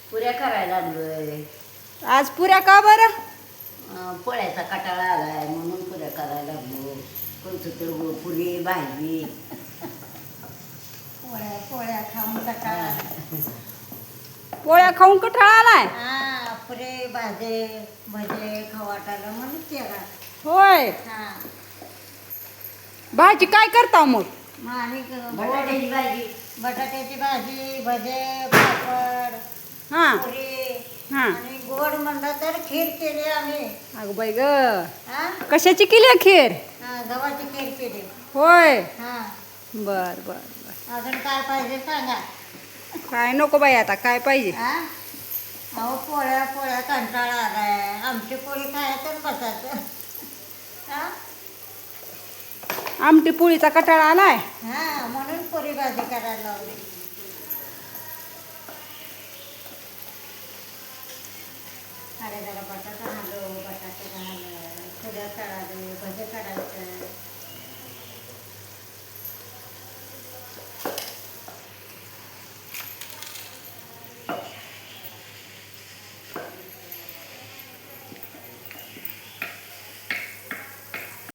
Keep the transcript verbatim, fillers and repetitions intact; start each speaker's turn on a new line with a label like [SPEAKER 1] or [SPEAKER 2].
[SPEAKER 1] पुऱ्या करायला लागलोय.
[SPEAKER 2] आज पुऱ्या का बरं?
[SPEAKER 1] अं, पोळ्याचा कटाळा आलाय म्हणून पुऱ्या करायला लागलो. कोणतं तर गो- पुरी भाजी.
[SPEAKER 3] पोळ्या पोळ्या खाऊन कंटाळा आला.
[SPEAKER 2] पोळ्या खाऊन कठाळा आलाय.
[SPEAKER 3] हा पुरे भाजे भजे खाऊ वाटायला म्हणून केला.
[SPEAKER 2] होय.
[SPEAKER 3] हा
[SPEAKER 2] भाजी काय करता मग?
[SPEAKER 3] मग आणि
[SPEAKER 1] बटाट्याची भाजी.
[SPEAKER 3] बटाट्याची भाजी भजे पापड
[SPEAKER 2] हा
[SPEAKER 3] पुरी
[SPEAKER 2] हा.
[SPEAKER 3] आणि गोड म्हणलं तर खीर केली आम्ही.
[SPEAKER 2] अगं बाई ग,
[SPEAKER 3] हा
[SPEAKER 2] कशाची केली खीर?
[SPEAKER 3] हा, गव्हाची खीर केली.
[SPEAKER 2] होय.
[SPEAKER 3] हा
[SPEAKER 2] बर बर बर.
[SPEAKER 3] अजून काय पाहिजे सांगा.
[SPEAKER 2] काय नको बाई, आता काय पाहिजे?
[SPEAKER 3] हा अहो पोळ्या पोळ्या कंटाळा आलाय. आमची पोळी खायचं बसायचं. हा
[SPEAKER 2] आमटी पोळीचा कटाळा आलाय.
[SPEAKER 3] हा म्हणून पुरी भाजी करायला लावली. अरे जरा बटाटा